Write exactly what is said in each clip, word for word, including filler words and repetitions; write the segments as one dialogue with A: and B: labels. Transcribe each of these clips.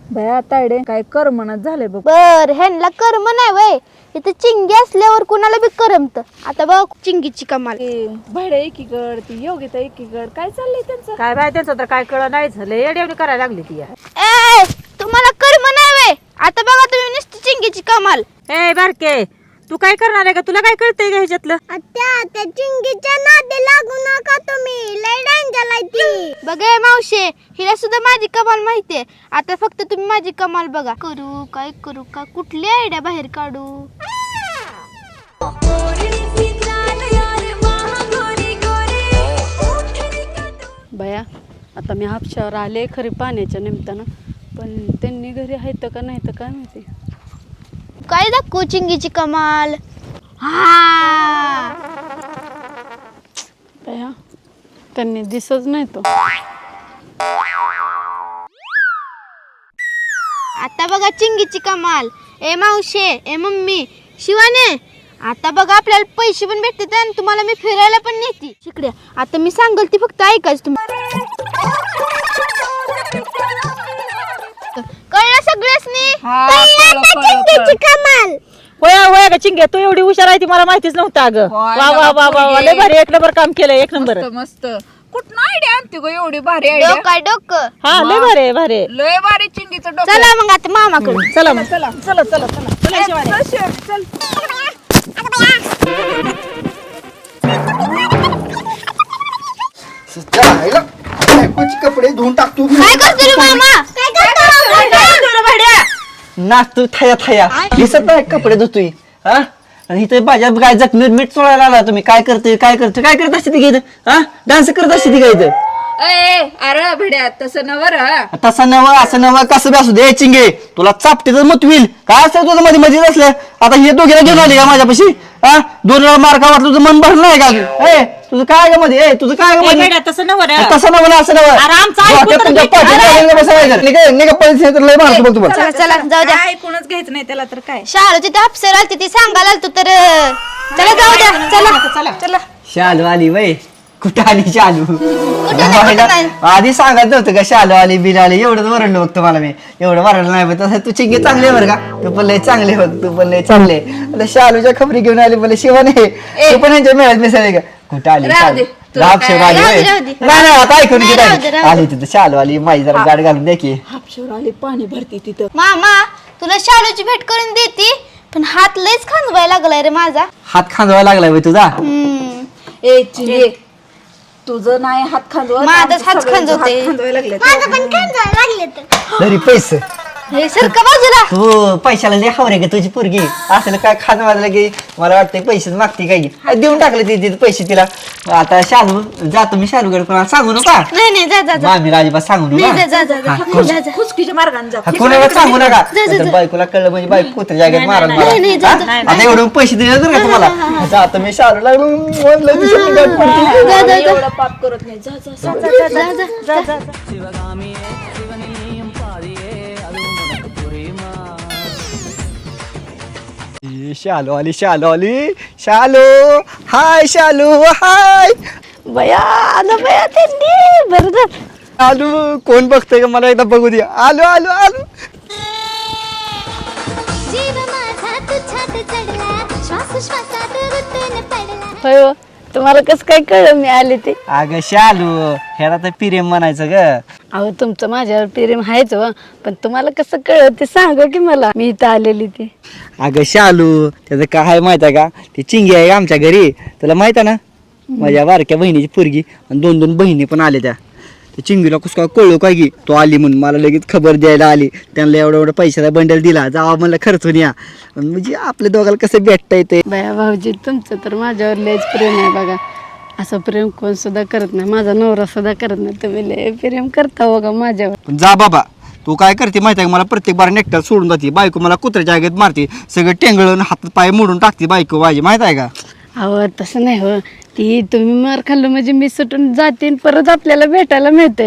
A: भया तायडे काय करमनाच झाले बघ.
B: बर ह्यांना कर्म नाही वय, इथं चिंगी असल्यावर कुणाला बी करमत. आता बघ चिंगीची कमाल.
A: भाडे एकीकड ती योगिता एकीकड काय चाललंय त्यांचं?
C: काय बाय त्यांचं तर काय कळ नाही झालं, येड्यावणी करायला लागली ती.
B: ए तुम्हाला कर्म नाही वय, आता बघा तुम्ही नुसती चिंगीची कमाल.
C: ए बारके, तू काय करणार आहे का? तुला काय कळतंय का ह्याच्यातलं?
B: त्या त्या चिंगीच्या नादी लागू नका तुम्ही, लय डेंजर आहे ती. बघा मावशे, हिला सुद्धा माझी कमाल माहितीये. आता फक्त तुम्ही माझी कमाल बघा. करू काय करू का, कुठली आयडिया बाहेर काढू?
D: बया आता मी हापशावर आले खरी पाण्याच्या निमित्तानं, पण त्यांनी घरी आहेत का नाही तर काय माहिती.
B: काय दाखवू चिंगीची कमाल? हा
D: बया त्यांनी दिसत नाही तो.
B: आता बघा चिंगीची कमाल. ए मावशे, ए मम्मी, शिवाने, आता बघा आपल्याला पैसे पण भेटतात आणि तुम्हाला मी फिरायला पण नेते. शिकड्या आता मी सांगल ती फक्त ऐकायच तुम्ही. कळलं सगळ्यासनी? चिंगीची कमाल.
C: होय होय का चिंगे, तू एवढी हुशार आहे ती मला माहितीच नव्हतं अगं.
A: होय
C: वा वा वा वा वा, लय भारी, एक नंबर काम केलं, एक नंबर.
A: मस्त मस्त. कुठं आयडिया आणते ग एवढी भारी आयडिया?
B: डोकं आहे डोकं.
C: हा लय भारी आहे, भारी आहे.
A: लय भारी चिंगीचं डोकं.
B: चला मग आता मामाकडे.
C: चला मग.
A: चला चला चला चला चला शिवानी. चल शिवानी, चल.
E: जायला बायकोचे कपडे धुवून टाकतो.
B: काय करतो रे मामा? काय करतो?
E: नाचतो थया थया, दिसत नाही कपडे धुतोय. हा आणि इथे माझ्या काय जखमी मीठ चोळायला आला तुम्ही. काय करतोय काय करतोय काय करत असते ती इथं? हा डान्स करत असते ती काय इथं?
A: ए अरे भिड्या तसं नवर.
E: तसं नवं असं नवं कसं बी असू दे चिंगे, तुला चापटे तर मत होईल. काय असतं तुझं मध्ये मध्ये असलं? आता हे दोघीला घेऊन आली का माझ्यापाशी? हा दोन वेळा मार्का वाटलं तुझं मन भरलं नाही का? ए तुझं काय ग मध्ये? ए तुझं काय ग
C: ए,
E: मध्ये?
C: बेड्या, तसं नव्हतं रे.
E: तसं नवं ना असं नवं.
C: अरे, आमचं ऐकून
E: डोक्यात
C: तर
E: तुमच्या
C: घे.
E: पाठीत
C: अरे.
E: लागलं बसायचं. निघा निघा पैसे तर लय मारतो बघ तुम्हाला.
B: चला चला जाऊ द्या.
A: ऐकूनच घ्यायचं नाही त्याला तर काय.
B: शाळेची ते अप्सर आलती ती सांगायला आलतो तर चला जाऊ द्या. चला
A: चला चला.
E: शालू आली वय, कुठं आली शालू?
B: नाही, कुठं नाही.
E: आधी सांगत नव्हतं का शालू आली बिल आली? एवढंच वरडलं बघ तुम्हाला मी. एवढं वरडलं नाही बघ. तसं तू चिंगे चांगले बरं का, तू पण लय चांगले बघ, तू पण लय चांगले. आता शालूच्या खबरी घेऊन आली मला शिवाने, तू पण यांच्या मेळ्यात मिसळले का? कुठं आली
A: राहू दे. तुला
E: राब
A: काय-
E: शेव आली
B: राहू दे,
E: वय.
B: राहू दे.
E: नाही नाही आता ऐकून
B: नाही,
E: घेत
B: राहू दे, राहू दे.
E: आली तिथं शालू आली. माझी जरा गाड घालून द्या की.
A: हापशेवर आली पाणी भरती तिथं.
B: मामा तुला शाळेची भेट करून देते, पण हात लयच खांजवायला लागलाय रे माझा.
E: हात खांदवायला लागलाय वय तुझा.
B: हम्म.
A: ए चिंगे, तुझं नाही हात खांदवत,
B: माझंच
A: आमचं
B: हात
A: सगळ्यांचं
B: खांदवते.
A: हात खांदवायला लागले.
E: तरी पैसे
B: हे सरका बाजूला.
E: तू पैशाला लय हवरे का तुझी पोरगी? असं काय खात वाजलं की मला वाटतं पैसेच मागते काय की. देऊन टाकले ते तिथे पैसे तिला. आता शालू जातो मी शालूकडे, कोणाला सांगू नका.
B: नाही नाही जा जा जा.
E: मामी राजीबा सांगू
B: नाही जा
E: नका.
B: जा जा जा.
E: हा, कोण-
B: जा जा.
A: खुसकीच्या मार्गाने जा.
E: हा, कोणाला सांगू नका.
B: जा, जा,
E: नाहीतर
B: जा.
E: बायकोला कळलं म्हणजे बायको कुत्र्या जागेत मारायला मला.
B: नाही, नाही, जा,
E: हा?
B: जा.
E: आता एवढं पैसे दिले तर का तुम्हाला? जातो मी शालूला म्हणलं दिसत गाठ पडते.
B: जा, जा, जा.
A: एवढं पाप करत नाही. जा जा जा जा जा जा जा जा.
E: ए, शालू आली शालू आली. शालू हाय, शालू हाय.
D: बया आलं बया त्यांनी. बरं झालं.
E: आलू कोण बघतोय का मला एकदा बघू दे. आलो आलो आलो.
D: होय हो, तुम्हाला कसं काय कळलं मी आले ते?
E: अगं शालू, ह्याला तर प्रेम म्हणायचं ग.
D: अहो तुमचं माझ्यावर प्रेम आहेच हो, पण तुम्हाला कसं कळलं ते सांगा की मला. मी इथं आलेली ते.
E: अगं शालू, त्याचं काय आहे माहित आहे का? ती चिंगी आहे आमच्या घरी, तुला माहित आहे ना? माझ्या बारक्या बहिणीची पोरगी आणि दोन दोन बहिणी पण आल्या. त्या त्या चिंगीला कसं काय कळलं काय की तो आली म्हणून मला लगेच खबर द्यायला आली. त्यांना एवढा एवढा पैशाचा बंडल दिला, जावा म्हणलं खर्चून या. म्हणजे आपल्या दोघाला कसं भेटता येते.
D: बया भाऊजी तुमचं तर माझ्यावर लयच प्रेम आहे बघा. असं प्रेम कोण सुद्धा करत नाही, माझा नवरा सुद्धा करत नाही. तुम्ही लय प्रेम करता बघा माझ्यावर.
E: जा बाबा, तू काय करते माहिती आहे का? मला प्रत्येक बार नेकटाला सोडून जाते बायको. मला कुत्र्याच्या आगेत मारते, सगळं टेंगळून हात पाय मोडून टाकते बायको माझी, माहित आहे का?
D: अहो तसं नाही हो, ती तुम्ही मार खाल्लं म्हणजे मी सुटून जाते आणि परत आपल्याला भेटायला मिळते.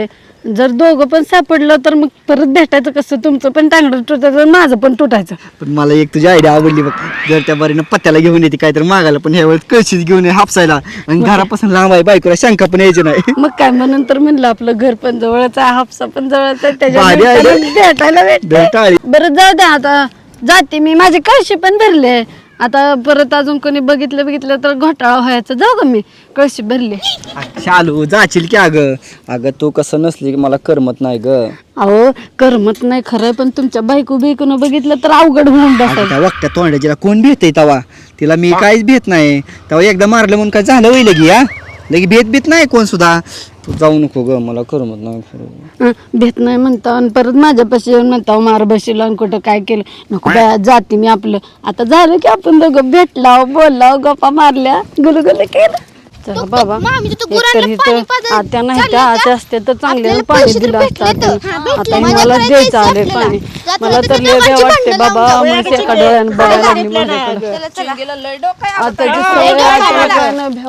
D: जर दोघं पण सापडलं तर मग परत भेटायचं कसं? तुमचं पण टांगडं तुटायचं माझं पण तुटायचं.
E: पण मला एक तुझी आयडिया आवडली बघ. जर त्या बारीनं पत्त्याला घेऊन येते काय तर मागायला, पण ह्या वेळेस कळशीच घेऊन ये हापसायला, आणि घरापासून लांब आहे, बायकोला शंका पण यायची नाही.
D: मग काय म्हणून तर म्हणलं आपलं घर पण जवळच आहे, हापसा पण जवळच आहे,
E: भारी आहे
D: त्याच्या
E: रे.
D: भेटायला भेटते.
E: भेटाळी.
D: बरं जाऊ द्या, आता जाते मी, माझे कळशी पण भरले. आता परत अजून कोणी बघितलं बघितलं तर घोटाळा व्हायचं. जाऊ का मी, कळशी भरली.
E: शालू जाशील की अगं? अगं तू कसं नसली की मला करमत नाही ग.
D: अहो करमत नाही खरंय, पण तुमच्या बायको बिकून बघितलं तर अवघड होऊन
E: अगं
D: बसायचं.
E: त्या वक्त्या तोंडाजीला कोण भेटय तवा? तिला मी काहीच भेट नाही. तेव्हा एकदा मारलं म्हणून काय झालं होईल लगी? हा लगी भेट भेट नाही कोण सुद्धा. तू जाऊ नको ग, मला करमत नाही खरं.
D: हं, भेट नाही म्हणता आणि परत माझ्यापाशी येऊन म्हणता मार बशीला आणि कुठं काय केलं. नको बाया, जाते मी. आपलं आता झालं की आपण दोघं भेटलाव, बोललाव, गप्पा मारल्या, गुलगुले केलं. चला बाबा,
B: मामी, तू
D: एकतर
B: गुरांना
D: इथं
B: पाणी पाजायला
D: आत्या नाही
B: चालली
D: त्या
B: का?
D: आत्या असते तर चांगले
B: आपल्याला
D: पाणी
B: पैसे तर
D: दिलं असतं.
B: भेटले तर. हा,
D: आता
B: भेटले.
D: आता
B: माझ्या
D: मला
B: घरात
D: द्यायचं
B: जायचं
D: आले
B: आपल्याला.
D: पाणी.
B: जाता
D: मला
B: जाता
D: तर
B: ते
D: लय
B: दोघांची
D: वाटते
B: भांडणं
D: बाबा,
B: लावून
D: म्हणजे
B: जाऊ.
D: एका डोळ्यानं बघायला लागली
B: चला,
D: माझ्याकडे.
B: चला, चला.
D: आता
B: हा,
D: जी
B: हे
D: सवय आहे,
B: डोक्याला
D: आता काय नाही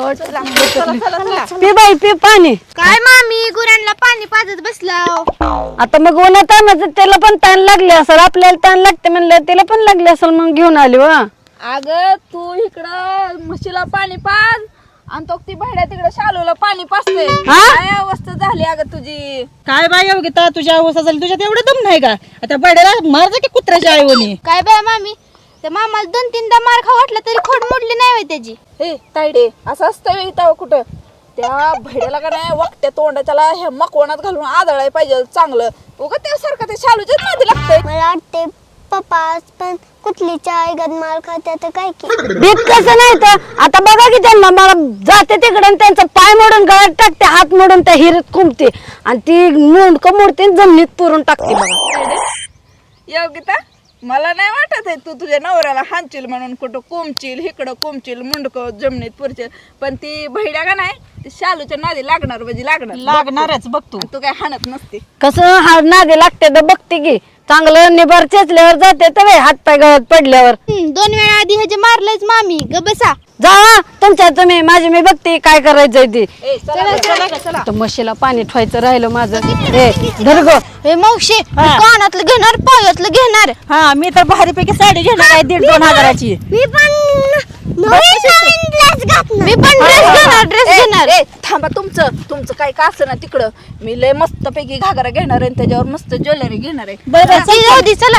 D: भेटत. पी बाई पी पाणी.
B: काय मामी, गुरांना पाणी पाजत बसलाव.
D: आता मग उन्हात तानाचं त्याला पण ताण लागले असेल, आपल्याला ताण लागते म्हणलं त्याला पण लागले असेल, मग घेऊन आली वा.
A: अगं तू इकडं म्हशीला पाणी पाज आणि तो ती भाड्या तिकडे शालूला पाणी पाजते. काय अवस्था झाली अगं तुझी?
C: काय बाई योगिता, तुझ्या अवस्था झाली, तुझ्यात एवढं दम नाही का? आता बड्याला मारजा की कुत्र्याच्या आईवणी.
B: काय बाय मामी, त्या मामाला दोन तीनदा मार खा वाटला तरी खोड मोडली नाही होय त्याची.
A: हे तायडे, असं असतं इथं कुठं? त्या भैड्याला का नाही वाकट्या तोंडाच्याला ह्या मकवणात घालून आदळाय पाहिजे चांगलं. उगा त्यासारखं ते शालूच्याच नादी लागतंय.
B: मला वाटते पप्पा पण कुठलीच्या आईगत मार खात्या तर काय की.
D: भीत कसं नाही तर आता बघा की त्यांना, मला जाते तिकडे आणि त्यांचा पाय मोडून गळ्यात टाकते, हात मोडून त्या हिरीत खुंबते आणि ती मुंडकं मोडते आणि जमिनीत पुरून टाकते बघा.
A: योगिता, मला नाही वाटत आहे तू तुझ्या नवऱ्याला हांचील म्हणून कुठं कोंबचील, इकडं कोंबचील, मुंडकं जमिनीत पुरचील, पण ती भैड्या का नाही ती शालूच्या नादी लागणार म्हणजे लागणार
C: लागणारच बघ तू.
A: तू काय हाणत नसते.
D: कसं हा नादी लागते तर बघते की, चांगलं निभार चेचल्यावर जाते तर हात पाय गळत पडल्यावर.
B: हम्म, दोन वेळा आधी ह्याचे मारलंच मामी. ग बसा.
D: जा तुमच्या तुम्ही, माझी मी बघते काय करायचंय ते.
A: ए चला ग, चला ग, चला.
D: तर म्हशीला पाणी ठेवायचं राहिलं माझं. ए धर गं.
B: हे मावशे, मी कानातलं घेणार, पायातलं घेणार.
C: हा मी तर भारीपैकी साडी घेणार आहे दीड दोन हजाराची.
B: मी पण मी पण ड्रेस घेणार, ड्रेस
A: ए,
B: घेणार.
A: ए, थांबा, तुमचं तुमचं काय का असं ना तिकडं मी लय मस्त पैकी घागरा घेणार आहे आणि त्याच्यावर मस्त ज्वेलरी घेणार आहे.
B: बरं जाऊ दे, चला.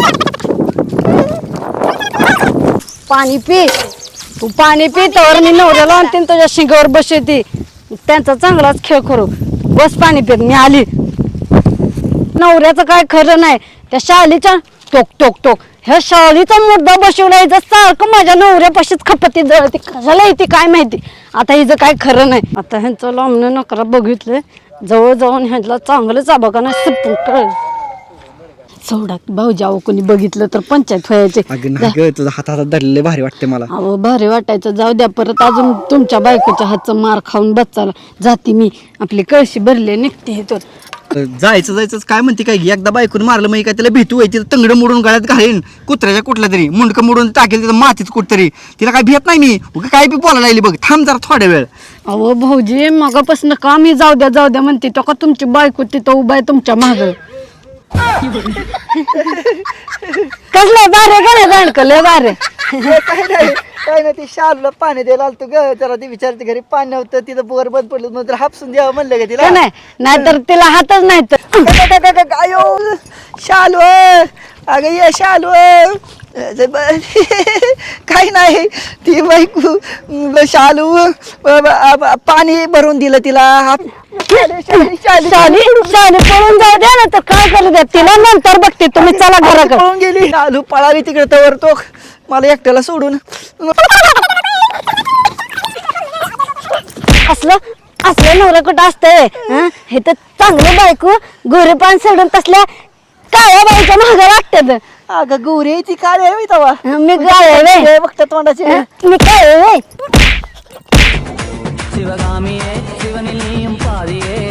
D: पाणी पी, तू पाणी पी तर मी नवऱ्याला आणते आणि तुझ्या शिंगावर बसते. त्यांचा चांगलाच खेळ करू. बस पाणी पित, मी आली. नवऱ्याचं काय खरं नाही, त्या शालीच्या टोक टोक टोक ह्या शालीचा मुद्दा बसवला, हिचं सारखं माझ्या नवऱ्यापाशीच खपती जळती, कशाला येते काय माहिती. आता हिचं काय खरं नाही. आता ह्यांचं लांबणं नकरा बघितलंय, जवळ जाऊन ह्यांना चांगलंच बघा ना सिपून कळ सोडा. भाऊ जावं कोणी बघितलं तर पंचायत व्हायचे.
E: अगं नाही ग, तुझा हात हातात धरलेले भारी वाटते मला.
D: अहो भारी वाटायचं, जाऊ द्या. परत अजून तुमच्या बायकोच्या हातचं मार खाऊन बच्चाला जाते मी. आपली कळशी भरली निघते इथून.
E: जायचं जायचं काय म्हणते काय, एकदा बायकून मारलं मग काय त्याला भीतू व्हायची, तंगडं मोडून गळ्यात घालीन, कुत्र्याच्या कुठल्या तरी मुंडकं मोडून टाकेल तिथं मातीत कुठतरी. तिला काय भेट नाही मी, उगा काय बी बोलायला लागली बघ. थांब जरा थोड्या वेळ.
D: अहो भाऊजी, मगापासून का मी जाऊ द्या जाऊ द्या म्हणते, तो का तुमची बायको तिथं उभा आहे तुमच्या माग. कसलं बारे का नाही दांडकले बारे.
E: काय नाही काय नाही, ते शालूला पाणी द्यायला आलतो ग, जरा ती विचारते घरी पाणी नव्हतं, तिथं बोर बंद पडलं म्हणून तर हापसून द्यावं म्हणलं का तिला.
D: का नाही, नाहीतर तिला हातच नाही तर.
E: आयो शालू, अगं ये शालू. काही नाही, ती बायको शालू पाणी भरून दिलं तिला.
D: शाली शाली पळून जाऊ द्या ना, तर काय करू द्या तिला, नंतर बघते तुम्ही. चला घराकडे.
E: पळून गेली शालू, पळाली तिकडे तवर तो मला एकट्याला सोडून. असलं
D: असलं नवरा कुठं असतंय. हं? हे तर चांगलं बायको गोरे पान सोडून तसल्या काळ्या बाईच्या मागं लागतात.
E: अगं गौरी ती काय आहे तवा,
D: मी काय
E: बघत तोंडाची.
D: मी काय
F: சிவகாமியே சிவனிலையும் பாதியே